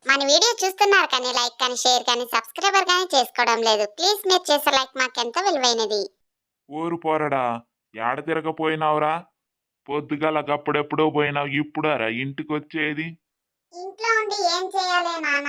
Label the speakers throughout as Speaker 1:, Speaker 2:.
Speaker 1: మన వీడియో చూస్తున్నారు కానీ లైక్ కానీ షేర్ కానీ సబ్స్క్రైబర్ కానీ చేసుకోవడం లేదు. ప్లీజ్ మీరు చేసే లైక్ మాకెంత విలువైనది.
Speaker 2: ఊరు పోరడా ఏడ తిరగపోయినావురా? పొద్దుగాల గప్పుడెప్పుడో పోయినావు, ఇప్పుడారా ఇంటికొచ్చేది?
Speaker 1: ఇంట్లో ఉండి ఏం చేయాలి నాన్న?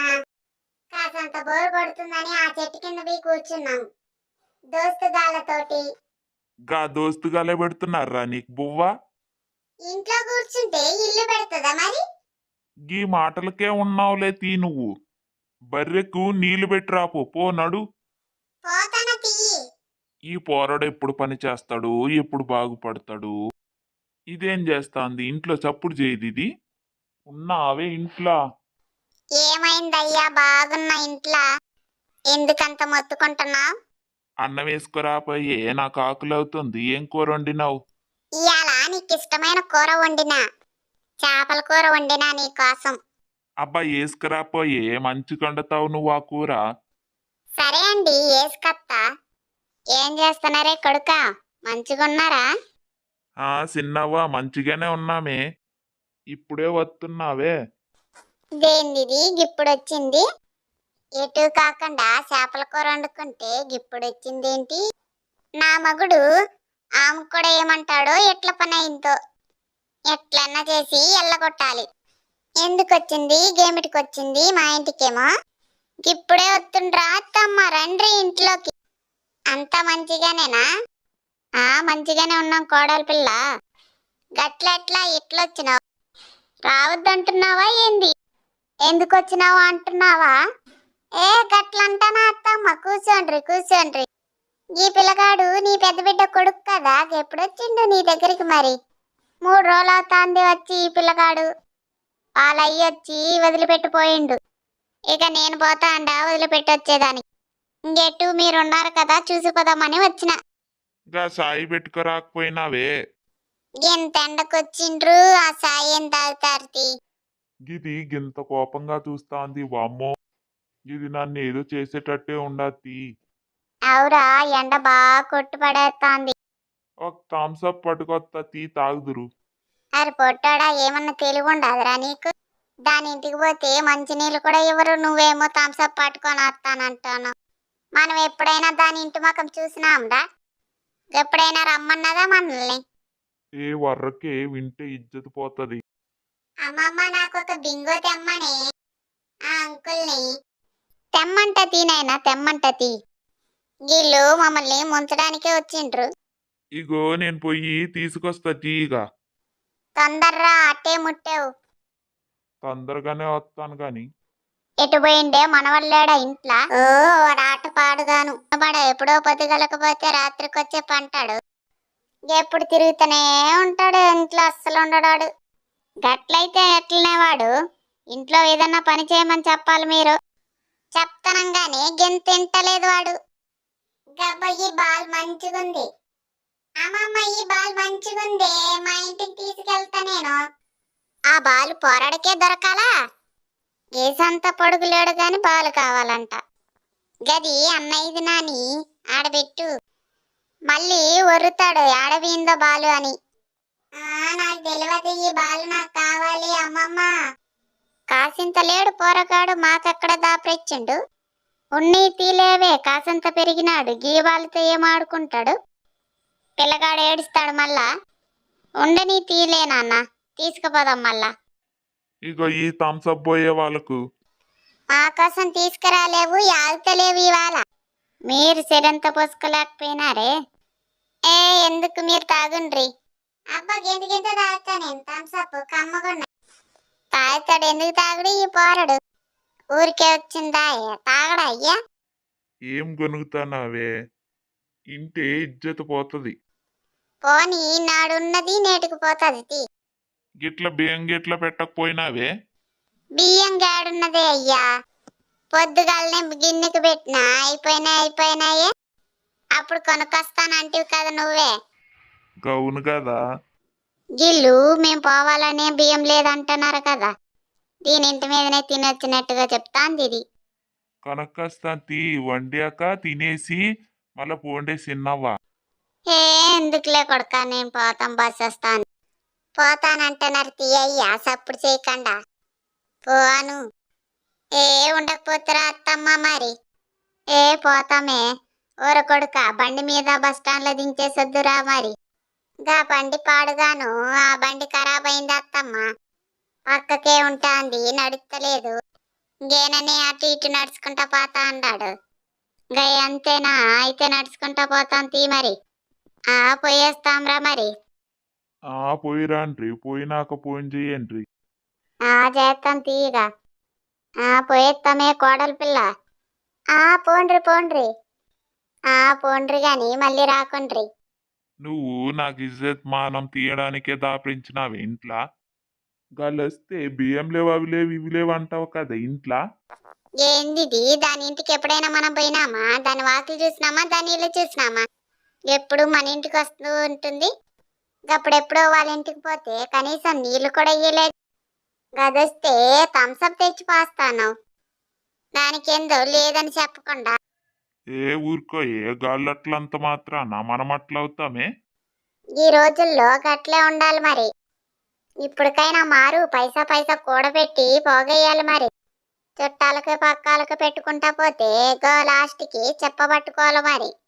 Speaker 1: కాసంత బోర్ కొడుతుందని ఆ చెట్టు కింద పోయి కూర్చున్నాం దోస్తుగాళ్ళతోటి.
Speaker 2: గా దోస్తుగాలే పెడుతున్నారా నీకు బువ్వ?
Speaker 1: ఇంట్లో కూర్చుంటే ఇల్లు పెడుతుందా మరి?
Speaker 2: గీ మాటలకే ఉన్నావులే తీ నువ్వు. బర్రెకు నీళ్లు పెట్టిరాపో, పో నడు.
Speaker 1: పోతన తీయి.
Speaker 2: ఈ పోరడు ఎప్పుడు పని చేస్తాడు, ఎప్పుడు బాగుపడతాడు? ఇదేం చేస్తాంది ఇంట్లో? చప్పుడు చేయదు ఇది. ఉన్నావే ఇంట్లో?
Speaker 1: ఏమైందయ్యా? బాగున్నా ఇంట్లో. ఎందుకంత మొత్తుకుంటున్నావు?
Speaker 2: అన్నం వేసుకురాపోయే, నాకు ఆకలి అవుతుంది. ఏం కూర వండినావు?
Speaker 1: ఇవాళ నీకు ఇష్టమైన కూర వండినా, చేపల కూర వండినా నీ కోసం.
Speaker 2: అబ్బా వేసుకురాపోయే, మంచి వండుతావు నువ్వు ఆ కూర.
Speaker 1: సరే అండి, ఏసుకత్తా. ఏం చేస్తున్నారే కొడుకా, మంచిగున్నారా?
Speaker 2: చిన్నవ్వా మంచిగానే ఉన్నామే. ఇప్పుడే వస్తున్నావే?
Speaker 1: దేనిది గిప్పుడొచ్చింది? ఎటు కాకుండా చేపల కూర వండుకుంటే గిప్పుడొచ్చిందేంటి? నా మగుడు ఆమె కూడా ఏమంటాడో ఎట్ల పని అయిందో. ఎట్లన్నా చేసి ఎల్లగొట్టాలి. ఎందుకొచ్చింది, గేమిటికొచ్చింది మా ఇంటికేమో? ఇప్పుడే వస్తుండ్రా అత్తమ్మ, రండ్రి ఇంట్లోకి. అంత మంచిగానేనా? మంచిగానే ఉన్నాం కోడలి పిల్ల. గట్లెట్లా ఇట్లొచ్చినావు? రావద్దంటున్నావా ఏంది? ఎందుకు వచ్చినావు అంటున్నావా? గట్లంటానా అత్తమ్మ? కూర్చోండ్రి కూర్చోండ్రి. ఈ పిల్లగాడు నీ పెద్ద బిడ్డ కొడుకు కదా, ఎప్పుడొచ్చిండు నీ దగ్గరికి మరి? 3 రోజులు అవుతాంది వచ్చి ఈ పిల్లగాడు. వాళ్ళయ్యొచ్చి వదిలిపెట్టిపోయిండు. ఇక నేను పోతా అండా వదిలిపెట్టి వచ్చేదానికి. ఇంకెట్టు మీరున్నారు కదా, చూసిపోదామని వచ్చిన.
Speaker 2: గా సాయి పెట్టుకురాకపోయినావే?
Speaker 1: ఎంత ఎండకొచ్చిండ్రు, ఆ సాయి ఏం తాగుతారు?
Speaker 2: గిది గింత కోపంగా చూస్తాంది, వామ్మో. ఇది నన్ను ఏదో చేసేటట్టే ఉండద్ది.
Speaker 1: అవురా, ఎండ బాగా కొట్టు పడేస్తాంది.
Speaker 2: ఒక థమ్సప్ పట్టుకొత్త, తీ తాగుదురు.
Speaker 1: అరే పొట్టాడా, ఏమన్నా తెలివి ఉండదురా నీకు? దాని ఇంటికి పోతే మంచినీళ్ళు కూడా ఇవ్వరు, నువ్వేమో థమ్సప్ పట్టుకొని వస్తానంటాను. మనం ఎప్పుడైనా దాని ఇంటి ముఖం చూసినాంరా? ఎప్పుడైనా రమ్మన్నదా మనల్ని?
Speaker 2: ఏ వర్రకే వింటే ఇజ్జత్ పోతది.
Speaker 1: అమ్మమ్మ, నాకు ఒక బింగో తెమ్మని ఆ అంకుల్ని. తెమ్మంట తీనైనా, తెమ్మంట తీ. వీళ్ళు మమ్మల్ని ముంచడానికే వచ్చిండ్రు.
Speaker 2: ఇగో నేను పోయి తీసుకొస్తా తీగా.
Speaker 1: తొందర్రా, అట్టే ముట్టావు.
Speaker 2: తొందరగానే వస్తాను గాని.
Speaker 1: ఎటు పోయిండే మనవల్లేడా ఇంట్లో? ఆట పాడుగాను ఎప్పుడో పొద్దుగలకపోతే రాత్రికొచ్చే పంటాడు. ఎప్పుడు తిరుగుతూనే ఉంటాడు ఇంట్లో, అస్సలు ఉండడాడు. గట్లయితే ఎట్లనే వాడు? ఇంట్లో ఏదన్నా పని చేయమని చెప్పాలి మీరు. చెప్తానంగానే తింటలేదు వాడు. గబ్బ, ఈ బాల్ మంచిగుంది. అమ్మమ్మ, ఈ బాల్ మంచిగుంది, మా ఇంటికి తీసుకెళ్తా నేను. ఆ బాలు పోరాడకే దొరకాలా? గేసంత పొడుగులేడు గాని బాలు కావాలంట. గది అన్నయ్యది నాని, ఆడబెట్టు. మళ్ళీ ఒర్రుతాడు ఆడబీందో బాలు అని. నాకు తెలియదు, ఈ బాలు నాకు కావాలి అమ్మమ్మ. కాసింత లేడు పోరగాడు, మాకెక్కడ దాపరిచ్చిండు. ఉన్ని తీలేవే, కాసింత పెరిగినాడు, గీ బాలుతో ఏం ఆడుకుంటాడు? పిల్లగాడు ఏడుస్తాడు మళ్ళా. ఉండని తీలే నాన్న, తీసుకుపోదాం మళ్ళా.
Speaker 2: ఇగో ఈ థమ్సప్ పోయే వాళ్ళకు.
Speaker 1: మా కోసం తీసుకురాలేవు, ఆగుతలేవు ఇవాళ. మీరు సెరంత పోసుకోలేకపోయినారే. ఎందుకు, మీరు తాగుండ్రి. అబ్బా, గింత గింత తాగుతా నేను థమ్సప్, కమ్మగున్నా. తాగుతాడు, ఎందుకు తాగుడు ఈ పోరడు? ఊరికే వచ్చిందా తాగడా అయ్యా?
Speaker 2: ఏం గొనుగుతానావే? ఇంటే ఇజ్జత్ పోతది.
Speaker 1: పోనీ, నాడున్నది నేటికి పోతుంది.
Speaker 2: గిట్ల బియ్యం గిట్ల పెట్టకపోయినావే?
Speaker 1: బియ్యం గాడున్నదే అయ్యా, పొద్దుగాలనే గిన్నెకి పెట్టినా, అయిపోయినాయే. అప్పుడు కొనుక్కొస్తానంటివి కదా నువ్వే.
Speaker 2: గౌను కదా.
Speaker 1: గిల్లు మేం పోవాలనే బియ్యం లేదంటున్నారు కదా, దీని ఇంటి మీదనే తినొచ్చినట్టుగా చెప్తాంది ఇది.
Speaker 2: కొనక్కస్తా తీ, వండాక తినేసి మళ్ళా పోండే సిన్నవ్వా.
Speaker 1: ఎందుకులే కొడక, నేను బస్ వస్తాను. పోతానంటున్నారు తీయ్యా, సప్పుడు చేయకుండా. పోను. ఏ ఉండకపోతారా అత్తమ్మ మరి? ఏ పోతామే. ఊర కొడుక బండి మీద బస్ స్టాండ్ లో దించేసొద్దురా మరి. గా బండి పాడుగాను, ఆ బండి ఖరాబ్ అయింది అత్తమ్మ. పక్కకే ఉంటాంది, నడుస్తలేదు. గేనని అటు ఇటు నడుచుకుంటా పోతా అన్నాడు. గై అంతేనా? అయితే నడుచుకుంటా పోతాం తీ మరి. ఆ పోయేస్తాంరా మరి.
Speaker 2: పోయిరాండ్రి, పోయినాక ఫోన్ చెయ్యండ్రి.
Speaker 1: చేస్తాం తీయగా. పోయేస్తామే కోడలి పిల్ల. పోండ్రి పోండ్రి. పోండ్రి గాని మళ్ళీ రాకుండ్రి.
Speaker 2: నువ్వు నాకు ఇజ్జత్ మానం తీయడానికే దాపించినావు ఇంట్లో. గాళ్ళొస్తే బియ్యం లేవు అవి లేవు ఇవి లేవు అంటావు కదా ఇంట్లో.
Speaker 1: ఏందిది? దాని ఇంటికి ఎప్పుడైనా మనం పోయినామా? దాని వాకిలు చూసినామా? దాని ఇల్లు చూసినామా? ఎప్పుడు మన ఇంటికి వస్తూ ఉంటుంది. అప్పుడెప్పుడో వాళ్ళ ఇంటికి పోతే కనీసం నీళ్లు కూడా ఇయ్యలేదు. గదొస్తే థమ్సప్ తెచ్చి పోస్తాను. దానికేందో లేదని చెప్పకుండా.
Speaker 2: ఏ ఊరుకో, ఏ గాళ్ళట్లంత మాత్రాన మనం అట్లా అవుతామే.
Speaker 1: ఈ రోజుల్లో గట్లే ఉండాలి మరి. ఇప్పటికైనా మారు, పైసా పైసా కూడబెట్టి పోగేయాలి మరి. చుట్టాలకు పక్కాలకు పెట్టుకుంటా పోతే గో లాస్ట్కి చెప్పబట్టుకోవాలి మరి.